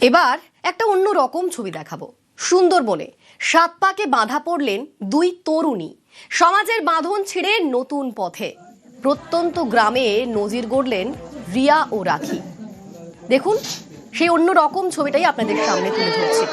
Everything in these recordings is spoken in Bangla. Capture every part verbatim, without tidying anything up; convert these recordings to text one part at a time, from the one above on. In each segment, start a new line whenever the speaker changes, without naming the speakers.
এবার একটা অন্য রকম ছবি দেখাবো। সুন্দরবনে সাত পাকে বাঁধা পড়লেন দুই তরুণী। সমাজের বাঁধন ছিঁড়ে নতুন পথে প্রত্যন্ত গ্রামে নজির গড়লেন রিয়া ও রাখি। দেখুন সেই অন্য রকম ছবিটাই আপনাদের সামনে তুলে ধরছি।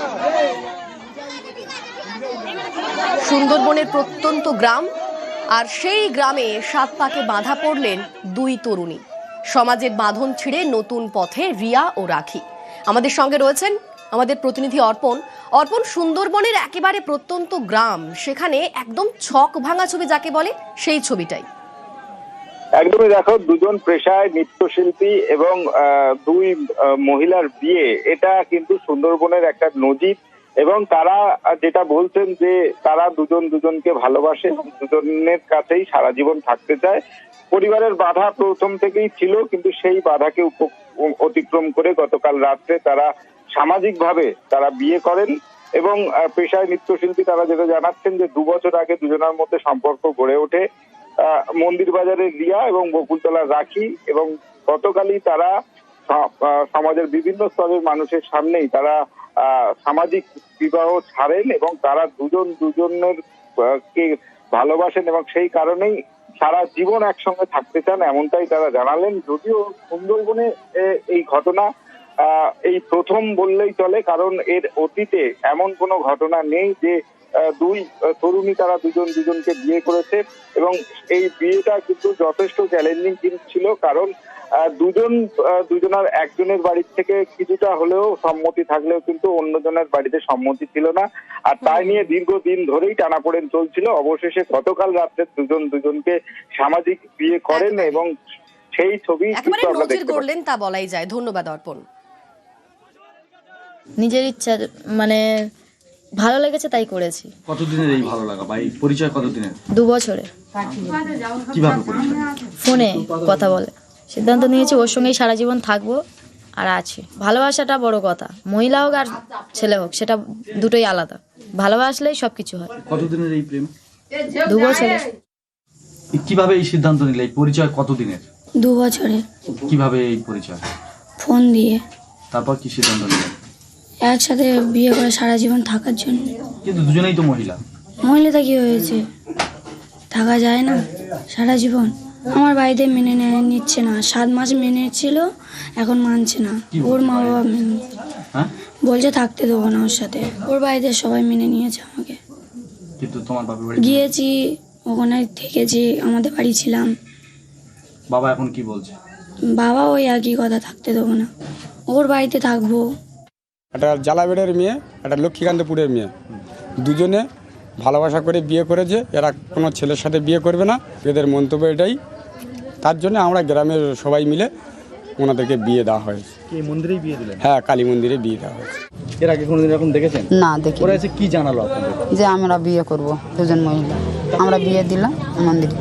সুন্দরবনের প্রত্যন্ত গ্রাম, আর সেই গ্রামে সাত পাকে বাঁধা পড়লেন দুই তরুণী। সমাজের বাঁধন ছিঁড়ে নতুন পথে রিয়া ও রাখি। আমাদের সঙ্গে রয়েছেন আমাদের প্রতিনিধি অর্পণ। অর্পণ, সুন্দরবনের একেবারে প্রত্যন্ত গ্রাম, সেখানে একদম ছক ভাঙা ছবি যাকে বলে সেই ছবিটাই।
একদমই দেখো, দুজন পেশায় নৃত্যশিল্পী এবং দুই মহিলার বিয়ে, এটা কিন্তু সুন্দরবনের একটা নজির। এবং তারা যেটা বলছেন যে তারা দুজন দুজনকে ভালোবাসে এবং দুজনের কাছেই সারা জীবন থাকতে চায়। পরিবারের বাধা প্রথম থেকেই ছিল, কিন্তু সেই বাধাকে অতিক্রম করে গতকাল রাত্রে তারা সামাজিকভাবে তারা বিয়ে করেন। এবং পেশায় নৃত্যশিল্পী তারা যেটা জানাচ্ছেন যে দু বছর আগে দুজনের মধ্যে সম্পর্ক গড়ে ওঠে। মন্দির বাজারের রিয়া এবং বকুলতলার রাখি, এবং গতকালই তারা সমাজের বিভিন্ন স্তরের মানুষের সামনেই তারা সামাজিক বিবাহ ছাড়েন এবং তারা দুজন দুজনের কে ভালোবাসেন এবং সেই কারণেই সারা জীবন একসঙ্গে থাকতে চান, এমনটাই তারা জানালেন। যদিও সুন্দরবনে এই ঘটনা এই প্রথম বললেই চলে, কারণ এর অতীতে এমন কোনো ঘটনা নেই যে দুই তরুণী তারা দুজন দুজনকে বিয়ে করেছে। এবং এই বিয়েটা কিন্তু যথেষ্ট চ্যালেঞ্জিং ছিল, কারণ দুজন দুজনের একজনের বাড়ির থেকে কিছুটা হলেও সম্মতি থাকলেও কিন্তু অন্যজনের বাড়িতে সম্মতি ছিল না। আর তাই নিয়ে দীর্ঘদিন ধরেই টানাপোড়েন চলছিল। অবশেষে গতকাল রাত্রে দুজন দুজনকে সামাজিক বিয়ে করেন এবং সেই ছবি
নজির গড়লেন তা বলাই যায়। ধন্যবাদ অর্পণ।
নিজের ইচ্ছা, মানে ভালো লেগেছে তাই করেছি।
কতদিনের এই ভালো লাগা বা এই পরিচয় কতদিনের?
দু বছরে।
কিভাবে পরিচয়?
ফোনে কথা বলে সিদ্ধান্ত নিয়েছি ওর সঙ্গেই সারা জীবন থাকবো আর আছি। ভালোবাসাটা বড় কথা, মহিলা হোক আর ছেলে হোক সেটা দুটোই আলাদা। ভালোবাসলেই সবকিছু হয়।
কতদিনের এই প্রেম?
দু বছরে।
কিভাবে এই সিদ্ধান্ত নিলে? এই পরিচয় কতদিনের?
দু বছরে।
কিভাবে এই পরিচয়?
ফোন দিয়ে।
তারপর কি সিদ্ধান্ত নিলে?
একসাথে বিয়ে করে সারা জীবন থাকার জন্য।
কিন্তু দুজনেই তো মহিলা।
মহিলাটা কি হয়েছে, থাকা যায় না সারা জীবন? আমার বাড়িতে মেনে নিচ্ছে না। সাত মাস মেনে ছিল, এখন মানছে না। ওর মা বাবা মেনে
হ্যাঁ
বলছে থাকতে দেবো না ওর সাথে। ওর বাড়িতে সবাই মেনে নিয়েছে আমাকে।
কিন্তু তোমার বাবার বাড়ি
গিয়েছি, ওখানে থেকেছি, আমাদের বাড়ি ছিলাম।
বাবা এখন কি বলছে?
বাবা ওই একই কথা, থাকতে দেবো না, ওর বাড়িতে থাকবো।
একটা জালাবেড়ের মেয়ে, একটা লক্ষ্মীকান্তপুরের মেয়ে, দুজনে ভালোবাসা করে বিয়ে করেছে। এরা কোনো ছেলের সাথে বিয়ে করবে না, এদের মন্তব্য এটাই। তার জন্য আমরা গ্রামের সবাই মিলে ওনাদেরকে বিয়ে দেওয়া হয়েছে।
এই মন্দিরেই বিয়ে দিলেন?
হ্যাঁ, কালী মন্দিরে বিয়ে দেওয়া হয়েছে।
এর আগে কোনোদিন এরকম দেখেছেন?
না, দেখি।
ওরা এসে কি জানালো আপনাদের?
যে আমরা বিয়ে করব, দুজন মহিলা। আমরা বিয়ে দিলাম মন্দিরে।